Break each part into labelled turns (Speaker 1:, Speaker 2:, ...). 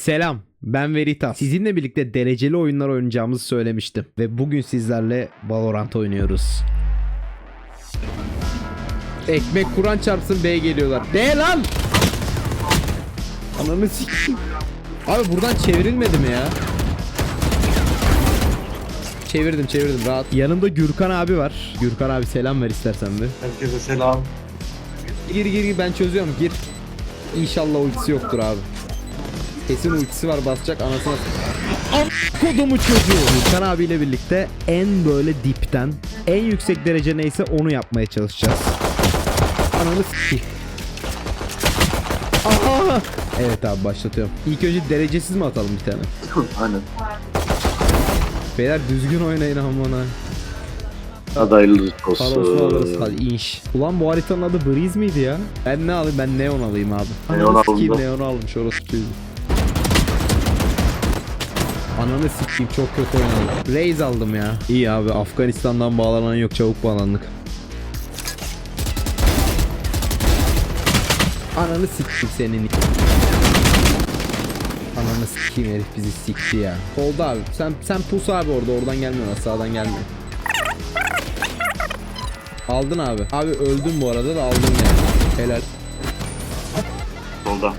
Speaker 1: Selam, ben Veritas. Sizinle birlikte dereceli oyunlar oynayacağımızı söylemiştim. Ve bugün sizlerle Valorant oynuyoruz. Ekmek Kur'an çarpsın, B geliyorlar. D lan! Ananı s***. Abi buradan çevrilmedi mi ya? Çevirdim rahat. Yanımda Gürkan abi var. Gürkan abi selam ver istersen bir.
Speaker 2: Herkese selam.
Speaker 1: Gir ben çözüyorum, gir. İnşallah ultisi yoktur abi. Kesin ultisi var, basacak anasına. Kodumu çocuğu. Gürkan abiyle birlikte en böyle dipten en yüksek derece neyse onu yapmaya çalışacağız. Ananı s***. Aha! Evet abi, başlatıyorum. İlk önce derecesiz mi atalım bir tane?
Speaker 2: Aynen.
Speaker 1: Beyler düzgün oynayın amına.
Speaker 2: Adaylı
Speaker 1: Parosunu alırız
Speaker 2: olsun.
Speaker 1: hadi inş. Ulan bu haritanın adı Breeze miydi ya? Ben ne alayım? Ben Neon alayım abi.
Speaker 2: Neon
Speaker 1: Ananı sikeyim,
Speaker 2: aldım.
Speaker 1: Neon almış orası çocuğu. Ananı sikeyim, çok kötü oynadım. Raze aldım ya. İyi abi, Afganistan'dan bağlanan yok, çabuk bağlandık. Ananı sikeyim senin. Ananı sikeyim, herif bizi sikti ya. Oldu abi, sen pus abi oradan gelmiyor, sağdan gelmiyor. Aldın abi. Abi öldüm bu arada da aldın yani. Helal.
Speaker 2: Solda.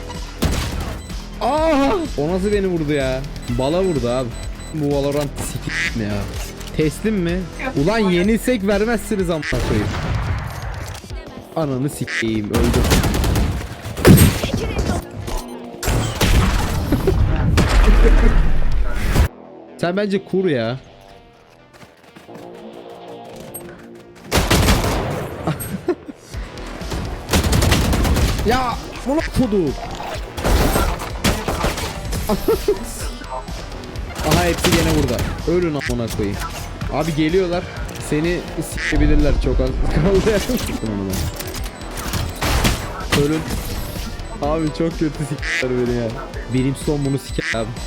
Speaker 1: Aa! O nasıl beni vurdu ya? Bala vurdu abi. Bu Valorant sikik mi ya? Teslim mi? Ulan yenilsek vermezsiniz amına koyayım. Ananı sikeyim, öldüm. Sen bence kur ya. Ya bunu kudu. Aha hepsi gene burada. Ölün amına koyayım. Abi geliyorlar. Seni sikebilirler, çok az kaldı. Ölün. Abi çok kötü sikler beni ya. Brimstone bunu siker abi.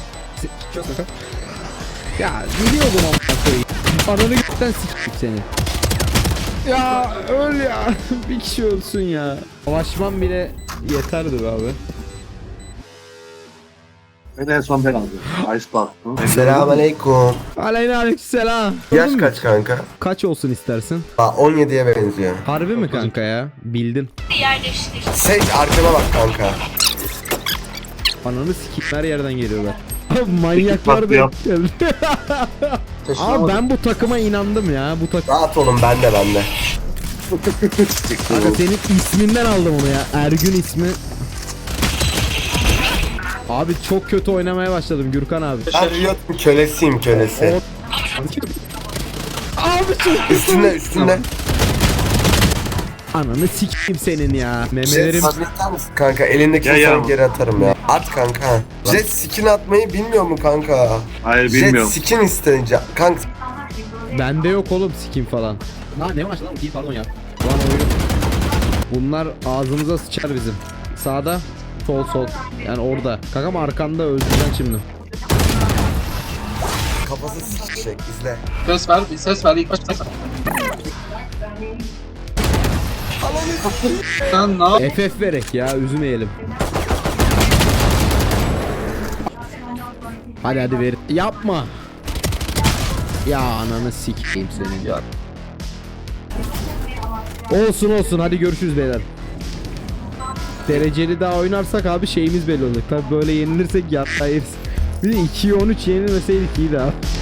Speaker 1: Ya biliyordum amına koyayım. Ananı gökten sikeyim seni. Ya öl ya. Bir kişi ölsün ya. Savaşmam bile yeterdi be abi.
Speaker 2: En son ben aldım. Ice Bath'ı.
Speaker 3: Selamünaleyküm.
Speaker 1: Aleykümselam.
Speaker 3: Yaş
Speaker 1: Öldün mü?
Speaker 3: kaç kanka?
Speaker 1: Kaç olsun istersin?
Speaker 3: 17'ye benziyor.
Speaker 1: Harbi mi kanka ya? Bildin.
Speaker 3: Seç arkana bak kanka.
Speaker 1: Ananı sikeyim, her yerden geliyorlar. Abi manyaklar da
Speaker 2: Yap.
Speaker 1: geldi. Abi ben bu takıma inandım ya. Bu takım.
Speaker 3: Rahat olun bende.
Speaker 1: Kanka senin isminden aldım onu ya. Ergün ismi. Abi çok kötü oynamaya başladım Gürkan abi.
Speaker 3: Ben Riot'un kölesiyim kölesi.
Speaker 1: Abi çok
Speaker 3: Üstünde.
Speaker 1: Ananı sikeyim senin ya. Memelerim.
Speaker 3: Kanka elindeki
Speaker 2: Ya,
Speaker 3: sana
Speaker 2: ya.
Speaker 3: geri atarım ya. At kanka. Jet skin atmayı bilmiyor mu kanka?
Speaker 2: Hayır
Speaker 3: Jet
Speaker 2: bilmiyorum.
Speaker 3: skin isteyince. Kanka
Speaker 1: Bende yok oğlum skin falan. Lan ne var lan? İyi pardon ya. Lan oyun. Bunlar ağzımıza sıçar bizim. Sağda, sol. Yani orada. Kakam arkanda, öldüreceksin şimdi.
Speaker 3: kafası sıçacak izle.
Speaker 4: Ses ver ilk başta ses ver. Sen ne yap?
Speaker 1: FF verek ya, üzmeyelim. Hadi ver. Yapma. Ya ananı sikeyim senin ya. Olsun hadi görüşürüz beyler. Dereceli daha oynarsak abi şeyimiz belli olacak. Tabi böyle yenilirsek yatayız. Bir de 2'ye 13 yenilmeseydik iyiydi abi.